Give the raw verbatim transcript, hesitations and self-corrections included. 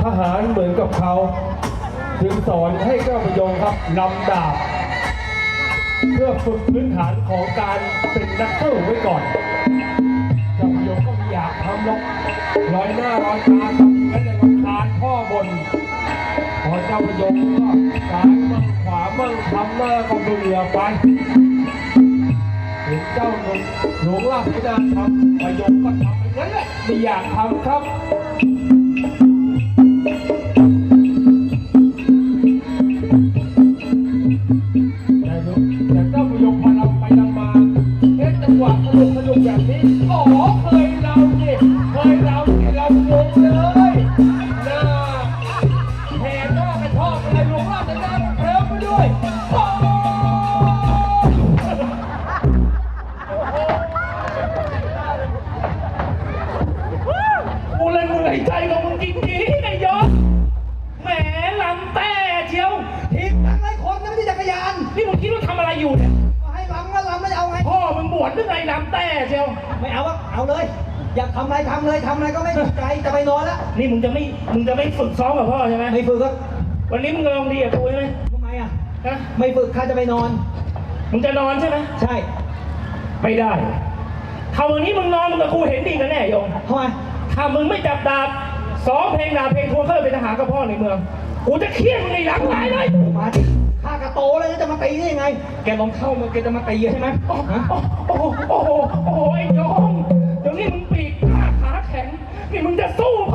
ทหารเหมือนกับเขาจึงสอนให้เจ้าพยงครับนำดาบเพื่อฝึกพื้นฐานของการเป็นนักสู้ไว้ก่อนเจ้าพยงก็ไม่อยากทำหรอกร้อยหน้าร้อยตาทำงั้นเลยรำคาญพ่อบนพอเจ้าพยงก็ซ้ายมั่งขวามั่งทำหน้าก็เบื่อไปเห็นเจ้าหนุ่มหลวงราชธิดาทำพยงก็ทำอย่างนั้นแหละไม่อยากทำครับแต่เจ้าพยงพอเราไปนำมาเอ๊ะจังหวะสนุกสนุกแบบนี้อ๋อเคยเราเนี่ยเคยเราเนี่ยเรางงเลยน่าแห่หน้ากระชอบอะไรหลวงราชธิดาเคลิ้มไปด้วยโอ้กูเลยเหนื่อยใจกับมึงจริงๆไอ้ยศแหมลำแต่เชียวทีมทั้งหลายคนนะไม่ใช่จักรยานนี่มึงคิดว่าทำอะไรอยู่เนี่ยก็ให้ลำก็ลำไม่เอาไงพ่อมึงบวชหรือไงลำแต่เชียวไม่เอาอะเอาเลย อยากทำอะไรทำเลยทำอะไรก็ไม่ถูกใจจะไปนอนแล้วนี่มึงจะไม่มึงจะไม่ฝึกซ้อมกับพ่อใช่ไหมไม่ฝึกก็วันนี้มึงลองดีกับกูใช่ไหมทำไมอะฮะไม่ฝึกข้าจะไปนอนมึงจะนอนใช่ไหมใช่ไม่ได้ถ้าวันนี้มึงนอนมึงกับกูเห็นดีกันแน่โยมทำไมถ้ามึงไม่จับดาบซ้อมเพลงดาบเพลงทวนเข้าไปเป็นทหารกับพ่อในเมืองกูจะเคี่ยนมึงในหลังลายเลยมาดิข้ากระโตเลยจะมาตีได้ยังไง แกลองเข้ามาแกจะมาตีใช่ไหมโอ้ฮะโอ้โหโอ้โหโอ้โหไอ้โยมเดี๋ยวนี้มึงปีกขาขาแข็งนี่มึงจะสู้